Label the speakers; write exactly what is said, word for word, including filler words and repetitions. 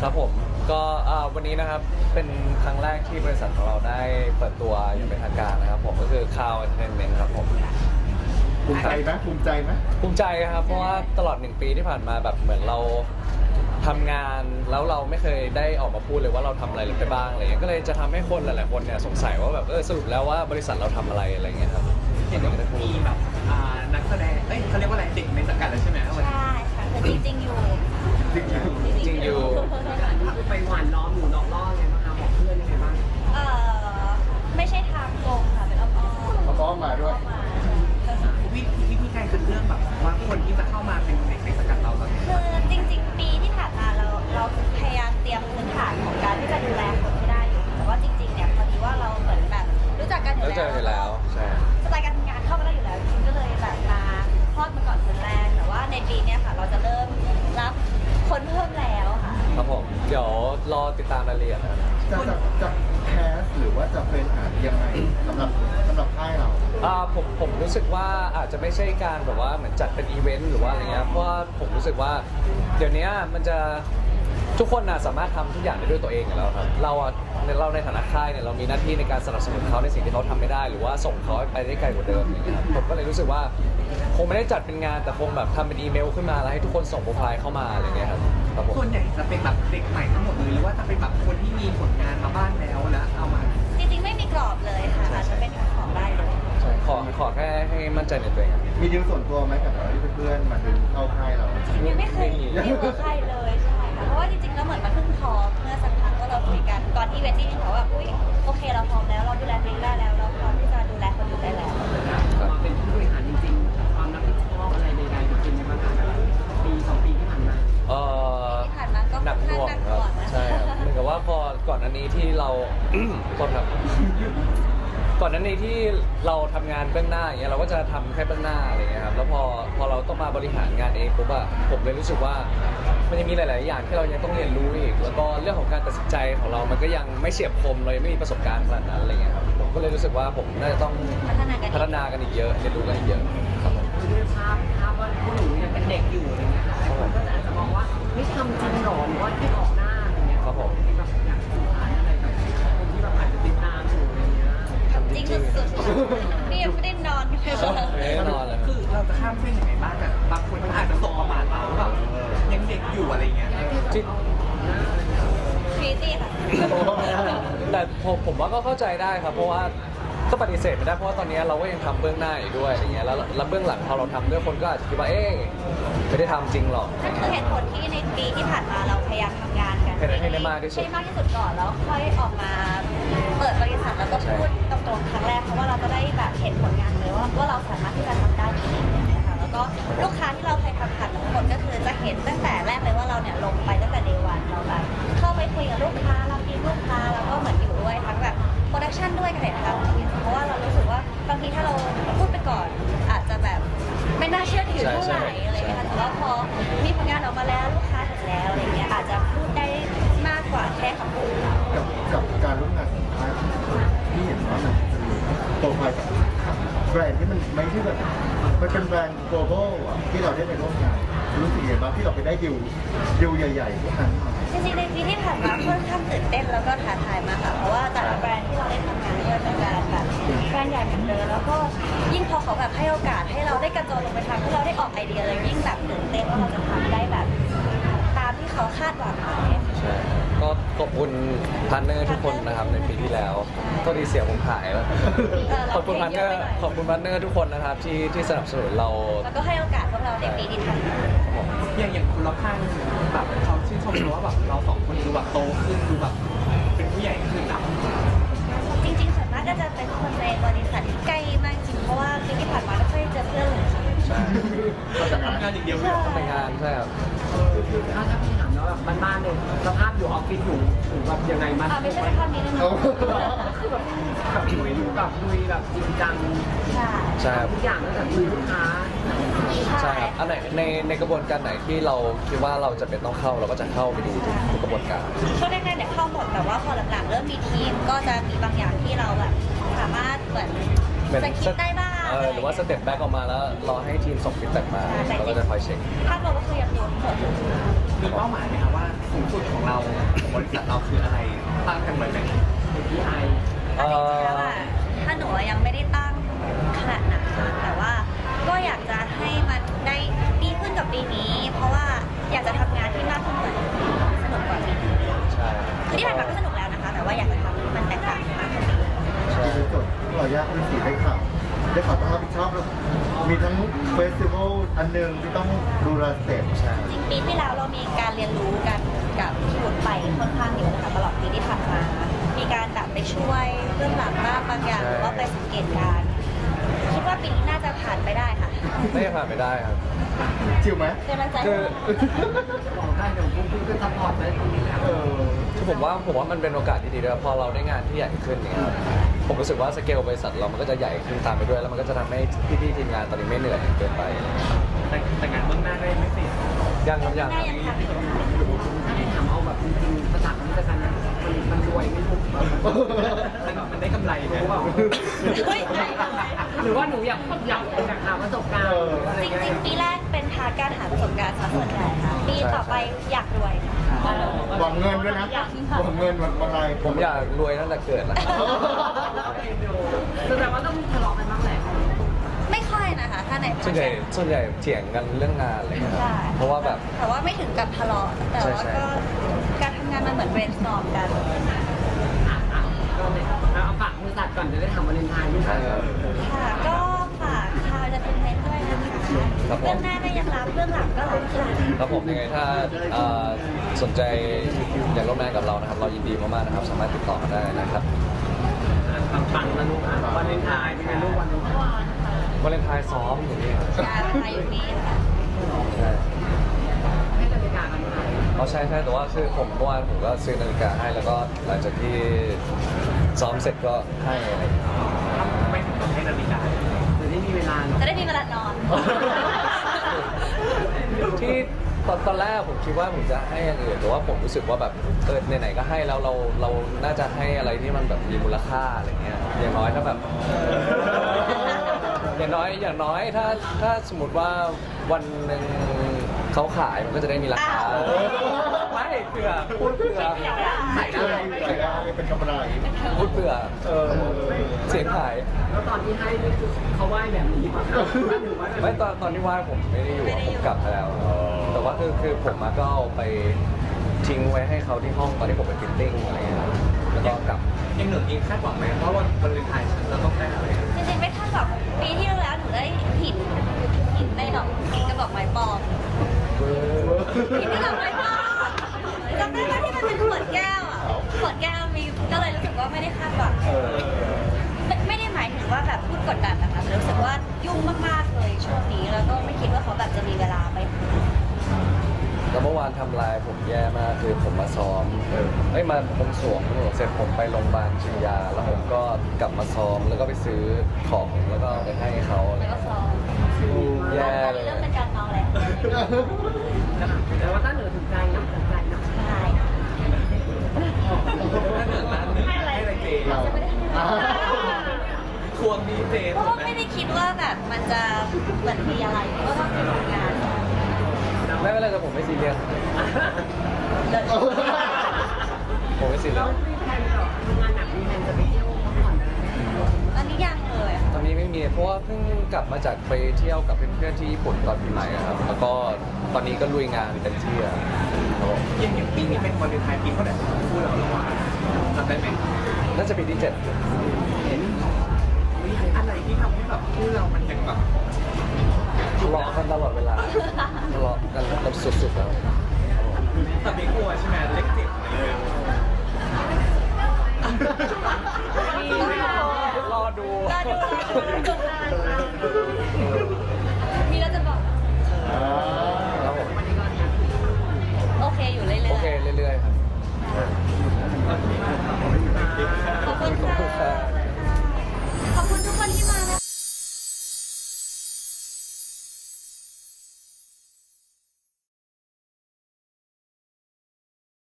Speaker 1: ครับผมก็วันนี้นะครับเป็นครั้งแรกที่บริษัทของเราได้เปิดตัวอย่างเป็นทางการนะครับผมก็คือ Cloud Entertainment ครับผม
Speaker 2: ภูมิใจไหมภูมิใจไหม
Speaker 1: ภูมิใจครับเพราะว่าตลอดหนึ่งปีที่ผ่านมาแบบเหมือนเราทำงานแล้วเราไม่เคยได้ออกมาพูดเลยว่าเราทำอะไรไปบ้างอะไรเงี้ยก็เลยจะทำให้คนหลายๆคนเนี่ยสงสัยว่าแบบเออสรุปแล้วว่าบริษัทเราทำอะไรอะไรเงี้ยครับ
Speaker 3: เห็นว่ามีแบบนักแสดงเอ้ยเขาเรียกว่าอะไรเด็กในสังกัดแล้วใช่ไหม
Speaker 4: ใช่ค่ะคือจริงๆอยู่
Speaker 2: จริงอยู่
Speaker 1: จริงอยู่
Speaker 3: ไปหวานล้อมหนูนอกล่อไงบ้างคะบอกเพื่อนยังไงบ้าง
Speaker 4: เอ่อไม่ใช่ทางตรงค่ะเป็นอ้อมๆ
Speaker 2: เขาต้องมาด้วย
Speaker 3: วิธีวิธีการคัดเลือกแบบว่าคนที่จะเข้ามาเป็นเด็กในสังกัดเราตอนนี้
Speaker 4: คือจริงๆปีที่ผ่านมาเราเราพยายามเตรียมพื้นฐานของการที่จะดูแลคนให้ได้อยู่แต่ว่าจริงๆเนี่ยพอดีว่าเราเหมือนแบบรู้จักกันอยู่แล้ว
Speaker 1: รู้จักกันอยู่แล้วใช่
Speaker 4: สไตล์การทำงานเข้ากันได้อยู่แล้วจริงๆก็เลยแบบมาคลอดมาก่อนคนแรกแต่ว่าในปีเนี้ยค่ะเราจะเริ่มรับคนเพิ่มแล้วค่ะ
Speaker 1: ครับผมเดี๋ยวรอติดตามรายละเอียดนะ
Speaker 2: จะจะจะแคสหรือว่าจะเป็นอายังไงสำหรับสำหรับค่ายเรา
Speaker 1: อ่าผมผมรู้สึกว่าอาจจะไม่ใช่การแบบว่าเหมือนจัดเป็นอีเวนต์หรือว่าอะไรเงี้ยเพราะว่าผมรู้สึกว่าเดี๋ยวนี้มันจะทุกคนนะสามารถทำทุกอย่างได้ด้วยตัวเองอยู่แล้วครับเราอะในเราในฐานะค่ายเนี่ยเรามีหน้าที่ในการสนับสนุนเขาในสิ่งที่เขาทำไม่ได้หรือว่าส่งเขาไปได้ไกลกว่าเดิมอย่างเงี้ยครับผมก็เลยรู้สึกว่าคงไม่ได้จัดเป็นงานแต่คงแบบทำเป็นอีเมลขึ้นมาแล้วให้ทุกคนส่งโปรไฟล์เข้ามาอะไรเงี้ยครับครับผม
Speaker 3: ส่วนใหญ่จะเป็นแบบเด็กใหม่ทั้งหมดเลยหรือว่าจะเป็นแบบคนที่มีผลงานมาบ้างแล้วแล้วเอามา
Speaker 4: จริงๆไม่มีกรอบเลยค่ะอาจจะเป็นของได้เลย
Speaker 1: ใช่ขอขอแค่ให้มั่นใจในตัวเอง
Speaker 2: มีดีลส่วนตัวไหมกับที่เพื่อนๆมาดึงเข้าค่ายเรา
Speaker 4: ยังไม่เคยดีลกับใครเลยใช่ค่ะเพราะว่าจริงๆแล้วเหมือนมันเพิ่งพร้อมเมื่อสักพักก็เราคุยกันก่อนที่เวทีเขาว่าอุ้ยโอเคเราพร้อมแล้วเราดูแลตัวเองได้แล้วเราพร้อมที่จะดูแลคนอื่นได้แล้ว
Speaker 3: มาเป็นผู้บริหารจริงๆความรับผิดชอบอะไรใดๆเป็นยังไงบ้างคะปีสองปีที่ผ่านมา
Speaker 1: เออ
Speaker 4: ที่ผ่านมาก็
Speaker 1: หนักหน่วงครับใช่ครับเหมือนกับว่าพอก่อนอันนี้ที่เราโทษครับก่อนหน้านี้ที่เราทำงานเบื้องหน้าอย่างเงี้ยเราก็จะทำแค่เบื้องหน้าอะไรเงี้ยครับแล้วพอพอเราต้องมาบริหารงานเองปุ๊บอะผมเลยรู้สึกว่ามันยังมีหลาย ๆ อย่างที่เรายังต้องเรียนรู้อีกแล้วก็เรื่องของการตัดสินใจของเรามันก็ยังไม่เฉียบคมเรายังไม่มีประสบการณ์ขนาดนั้นอะไรเงี้ยครับผมก็เลยรู้สึกว่าผมน่าจะต้องพัฒนากันอีกเยอะเรียนรู้กันอีกเยอะครับผม
Speaker 3: ด้วยภาพภาพว่าผู้หนูยังเป็นเด็กอยู่อะไรเงี้ยค่ะคนก็อาจจะมองว่าไม่ทำจริงหรอหรือว่าแค่ออกหน้าอะไรเงี้ย
Speaker 1: ครับผม
Speaker 3: แบบอยากสื่อสารอะไรกับคนที่แบบอาจจะติดตามอยู่อะไรเงี้ย
Speaker 4: จริงสุดๆนี่ยังไม่ได้นอนเลย
Speaker 1: ไม่ได้นอนเลย
Speaker 3: คือเราจะข้ามเส้นยังไงบ้างแบบบางคนอาจจะส่งประมาทเราแบบยังเด็กอยู่อะไรเงี้ย
Speaker 4: ฟรีตี้ค่ะ
Speaker 1: แต่ผมผมว่าก็เข้าใจได้ครับเพราะว่าก็ปฏิเสธไม่ได้เพราะว่าตอนนี้เราก็ยังทำเบื้องหน้าอยู่ด้วยอย่างเงี้ยแล้วแล้วเบื้องหลังพอเราทำด้วยคนก็อาจจะคิดว่าเอ๊ะไม่ได้ทำจริงหรอก
Speaker 4: นั่นคือเหตุผลที่ในปีที่ผ่านมาเราพยายามทำงานกัน
Speaker 1: ให้ได้มากที่สุด
Speaker 4: ให้มากที่สุดก่อนแล้วค่อยออกมาเปิดบริษัทแล้วก็พูดตรงๆครั้งแรกเพราะว่าเราจะได้แบบเห็นผลงานเลยว่าว่าเราสามารถที่จะทำได้จริงๆนะคะแล้วก็ลูกค้าที่เราเคยทำผ่านทั้งหมดก็คือจะเห็นตั้งแต่แรกเลยว่าเราเนี่ยลงไปตั้งแต่เดวันเราแบบเข้าไปคุยกับลูกค้าเราดีลูกค้าแล้วก็เหมือนอยู่ด้วยทั้งแบบโปรดักชันด้วยกันเลยนะคะเพราะว่าเรารู้สึกว่าบางทีถ้าเราพูดไปก่อนอาจจะแบบไม่น่าเชื่อถือเท่าไหร่อะไรเงี้ยแต่ว่าพอมีผลงานออกมาแล้วลูกค้าเห็นแล้วอะไรเงี้ยอาจจะพูดได้มากกว่าแค่คำพูด
Speaker 2: กับกับการร่วมงานของค่ายที่เห็นว่ามันโปรไฟล์กับแบรนด์ที่มันไม่ใช่แบบมันเป็นแบรนด์ global อ่ะที่เราได้ไปร่วมงานรู้สึกยังไงบ้างที่เราไปได้ดิวดิวใหญ่ๆพวกนั้น
Speaker 4: จริงๆในปีที่ผ่านมาค่อนข้างตื่นเต้นแล้วก็ท้าทายมากค่ะเพราะว่าแต่ละแบรนด์ที่เราได้ทำงานด้วยเป็นแบรนด์แบบแบรนด์ใหญ่เหมือนเดิมแล้วก็ยิ่งพอเขาแบบให้โอกาสให้เราได้กระโจนลงไปทำให้เราได้ออกไอเดียเลยยิ่งแบบตื่นเต้นว่าเราจะทำได้แบบตามที่เขาคาดหวังไหม
Speaker 1: ใช่ก็ขอบคุณพาร์ทเนอร์ทุกคนนะครับในปีที่แล้วก็ดีเสียงผมหายแล้วขอบคุณพาร์ทเนอร์ขอบคุณพาร์ทเนอร์ทุกคนนะครับที่ที่สนับสนุนเรา
Speaker 4: แล้วก็ให้โอกาสพวกเราในปีที่ผ่านมา
Speaker 3: อย่างอย่างคุณรับข้างแบบเขาชื่นชมว่าแบบเราสองคนดูแบบโตขึ้นดูแบบเป็นผู้ใหญ่ขึ้นนะ
Speaker 4: จริงๆส่วนมากก็จะเป็นคนในบริษัทที่ใกล้มากจริงเพราะว่าปีที่ผ่านมาไม่ค่อยเจอเพื่อนเลย
Speaker 1: ใช่
Speaker 3: ทำงานอย่างเดียวไม่
Speaker 1: ทำงานใช่ครับ
Speaker 3: ถ้าถ้าพี่ถามแล้วแบบบ้านๆเลยสภาพอยู่ออฟฟิศอยู่ถึงแบบยังไงมัน
Speaker 4: ไม่ใช่สภาพนี้แน่นอน
Speaker 3: คือแบบแบบลุยอยู่แบบลุยแบบจริงจัง
Speaker 4: ใช่
Speaker 1: ใช่
Speaker 3: ทุกอย่างตั้งแต่คุยลูกค้า
Speaker 1: ใช่ครับอันไหนในในกระบวนการไหนที่เราคิดว่าเราจะเป็นต้องเข้าเราก็จะเข้าไปดูทุกกระบวนการ
Speaker 4: ช่วงแรกๆเนี่ยเข้าหมดแต่ว่าพอหลังๆเริ่มมีทีมก็จะมีบางอย่างที่เราแบบสามารถเหมือนสกิปได้บ้าง
Speaker 1: เออหรือว่าสเต็ปแบ็กออกมาแล้วรอให้ทีมส่งฟีดแบ็กมาเราก็จะคอยเช็ค
Speaker 4: ภาพรวมก็คือยังอยู่ทั้งหมด
Speaker 3: มีเป้าหมายไหมคะว่าสูงสุดของเราของบริษัทเราคืออะไรตั้งกันไว้ไหม พี ไอ
Speaker 4: อันจริงๆแล้วอะถ้าหนูอะยังไม่ได้ตั้งขนาดนั้นค่ะแต่ว่าก็อยากจะให้มันได้ดีขึ้นกับปีนี้ เพราะว่าอยากจะทำงานที่มากขึ้นกว่านี้สนุกกว่าปีนี้
Speaker 1: ใช่
Speaker 4: คือที่ผ่านมาก็สนุกแล้วนะคะ แต่ว่าอยากจะทำให้มันแตกต่างมากกว่านี้
Speaker 1: ใช่
Speaker 2: ที่เป็นจดที่เรายากที่สีได้ข่าวได้ข่าวต้องรับผิดชอบแล้วมีทั้งเฟสติวัลอันหนึ่งที่ต้องดูแลสเตจ
Speaker 1: ใช่
Speaker 4: จริงๆปีที่แล้วเรามีการเรียนรู้กันกับพี่วุฒิไปค่อนข้างเยอะนะคะตลอดปีที่ผ่านมา มีการแบบไปช่วยเรื่องหลังบ้างบางอย่างหรือว่าไปสังเกตการณ์คิดว่าปีนี้น่าจะผ่านไปได้ค่ะ
Speaker 1: ไม่ผ่านไม่ได้ครับ
Speaker 2: ชิวไหม
Speaker 4: เป็นกำลังใจ
Speaker 1: คื
Speaker 4: ให้
Speaker 1: อ
Speaker 3: บอกได้เดี๋ยวพวกพี่ก็ซัพพอร์ตได้ตรงนี้แหละ
Speaker 2: เออ
Speaker 1: คือผมว่าผมว่ามันเป็นโอกาสที่ดีด้วยพอเราได้งานที่ใหญ่ขึ้นเนี่ยครับผมรู้สึกว่าสเกลบริษัทเรามันก็จะใหญ่ขึ้นตามไปด้วย แล้วมันก็จะทำให้พี่ๆทีมงานตอนนี้ไม่เหนื่อยเกินไป
Speaker 3: แต่แต่งานเบื้องหน้าได้ไม่เสร็จ
Speaker 1: ยังครับยัง
Speaker 4: ได้ยังทำไม่ได้
Speaker 3: ถามเอาแบบจริงๆภาษาคำจะกันนะมันมันรวยไม่ถูกมันมันได้กำไรไหมว่า
Speaker 4: เฮ้ยได้เลย
Speaker 3: หรือว่าหนูอยากอยากอยากหาประสบการณ์อะไร
Speaker 4: จ
Speaker 3: เงี้ย
Speaker 4: ริงๆปีแรกเป็นพาร์ทการหาประสบการณ์ซะส่วนใหญ่ค่ะปีต่อไปอยากรวยค่ะ
Speaker 2: หวังเงินด้วยนะหวังเงินหวังอะไร
Speaker 1: ผมอยากรวยตั้งแต่เกิดแล้ว
Speaker 3: แสดงว่าต้องทะเลาะกันบ้างแหละ
Speaker 4: ไม่ค่อยนะคะ ถ้าในพา
Speaker 1: ส่วน
Speaker 4: ร์ท
Speaker 1: ใหญ่ส่วนใหญ่เถียงกันเรื่องงานอะไรเงี้ยครับ
Speaker 4: ใช่
Speaker 1: เพราะว่าแบบ
Speaker 4: แต่ว่าไม่ถึงกับทะเลาะแต่ว่า
Speaker 1: ใช่
Speaker 4: ก็การทำงานมันเหมือน brainstorm กัน
Speaker 3: อ่ะอ่ะก็เนี่ยเอาฝากบริษัทก่อนจะได้ทำวาเลนไทน์ด้วย
Speaker 1: ใช่ครับ
Speaker 4: ค่ะ ก็ฝากคาวจะเป็นเมนด้วยนะคะ
Speaker 1: ครับผม
Speaker 4: เรื่องหน้าก็ยังรับเรื่องหลังก็รับค่ะ
Speaker 1: ครับผมยังไงถ้าเอ่อสนใจอยากร่วมงานกับเรานะครับ เรายินดีมากๆนะครับ สามารถติดต่อมาได้นะครับ
Speaker 3: ปังๆนะลูกอ่ะวาเลนไทน์เป็นไงลูกวันนี้
Speaker 1: วาเลนไทน์ซ้อมอยู่นี่ครับ
Speaker 4: งานมาอยู่นี้ค่ะ
Speaker 1: ใช่
Speaker 3: ให้นาฬิกากันไหม
Speaker 1: อ๋อใช่ใช่แต่ว่าคือผมเมื่อวานผมก็ซื้อนาฬิกาให้แล้วก็หลังจากที่ซ้อมเสร็จก็ให้อะไรอย่างเงี้ย
Speaker 3: ไม่ถึงกับให้นาฬิกาจะได้มีเวลา
Speaker 4: จะได้มีเวลานอน
Speaker 1: ที่ตอนตอนแรกผมคิดว่าผมจะให้อย่างอื่นแต่ว่าผมรู้สึกว่าแบบเออไหนๆก็ให้แล้วเราเราน่าจะให้อะไรที่มันแบบมีมูลค่าอะไรเงี้ยอย่างน้อยถ้าแบบ อย่างน้อยอย่างน้อยถ้าถ้าสมมติว่าวันหนึ่งเขาขายมันก็จะได้มีราคา
Speaker 4: อ้าว
Speaker 1: ไม่เผื่อพูดเผื่อ
Speaker 2: ขายได้ขายได้เป็นกำไร
Speaker 1: พูดเผื่อ
Speaker 2: เออ
Speaker 1: เสียงขาย
Speaker 3: แล้วตอนที่ให้นี่คือเขาไหว้แบบนี้ป่ะคะหรือว่า
Speaker 1: ไม่ตอนตอนที่ว่าผมไม่ได้อยู่อะผมกลับไปแล้ว แต่ว่าคือคือผมมาก็เอาไปทิ้งไว้ให้เขาที่ห้องตอนที่ผมไปฟิตติ้งอะไรเงี้ยครับแล้วก็กลับ
Speaker 3: ยังหนึ่งยิงคาดหวังไหมเพราะวันวาเลนไทน์ฉันจะต้องได้อะไร
Speaker 4: จริงๆไม่คาดหวังปีที่แล้วหนูได้หินหินในดอกหินกระบอกไม้ปลอมหินในดอกไม้ปลอมจำได้ไหมที่มันเป็นขวดแก้วอ่ะขวดแก้วมีก็เลยรู้สึกว่าไม่ได้คาดหวัง
Speaker 1: เออ
Speaker 4: ไม่ไม่ได้หมายถึงว่าแบบพูดกดดันนะคะแต่รู้สึกว่ายุ่งมากๆเลยช่วงนี้แล้วก็ไม่คิดว่าเขาแบบจะมีเวลาไป
Speaker 1: แล้วเมื่อวานทำลายผมแย่มากคือผมมาซ้อมเอ้ยมาผมสวมเสร็จผมไปโรงพยาบาลชินยา แล้วผมก็กลับมาซ้อมแล้วก็ไปซื้อของแล้วก็ไปให้เขาอะไร
Speaker 4: แล้วก็
Speaker 1: เงี้ย
Speaker 4: ซ้อม
Speaker 1: แย่
Speaker 4: ตอน
Speaker 1: เล
Speaker 4: นี้
Speaker 1: ย
Speaker 4: เริ่มเป็นการเมาแล้ว
Speaker 3: แต่ว่าถ้าเหนือถึงใจนะถึงใจนะ
Speaker 4: ใช่
Speaker 3: ถ้าเหนือนั้นให้อะไรเจ
Speaker 2: เราอ่า
Speaker 3: ทวงดีเจ
Speaker 4: เพราะว่าไม่ได้คิดว่าแบบมันจะเหมือนมีอะไรเพราะว่าคือทำงาน
Speaker 1: ไม่เป็นไรแต่ผมไม่ซีเรียส
Speaker 4: เลย
Speaker 1: ผมไม่ซีเรี
Speaker 3: แล้
Speaker 1: ยว ส
Speaker 3: มีแผนเหรอทำงานหนักมีแผนจะไปเที่ยวพักผ่อนอะไรไหม
Speaker 4: อันนี้ยังเลยค่ะ
Speaker 1: ตอนนี้ไม่มีเพราะว่าเพิ่งกลับมาจากไปเที่ยวกับเพื่อนๆที่ญี่ปุ่นตอนปีใหม่อะครับ แล้วก็ตอนนี้ก็ลุยงานเต็มที่อะครับผม
Speaker 3: ยังอย่างปีนี้เป็นวาเลนไทน์ปีเท่าไหร่ของคู่เราหรือว่าจำได้ไหม
Speaker 1: น่าจะปีที่เจ็ด
Speaker 3: เห็นมีอะไรที่ทำให้แบบคู่เรามันยังแบบ
Speaker 1: ทะเลาะกันตลอดเวลาทะเลาะกันแบบสุดๆแล้ว
Speaker 3: แต่ไม่กลัวใช่ไหมเล็กเจ็บเลย
Speaker 1: รอดู
Speaker 4: รอดู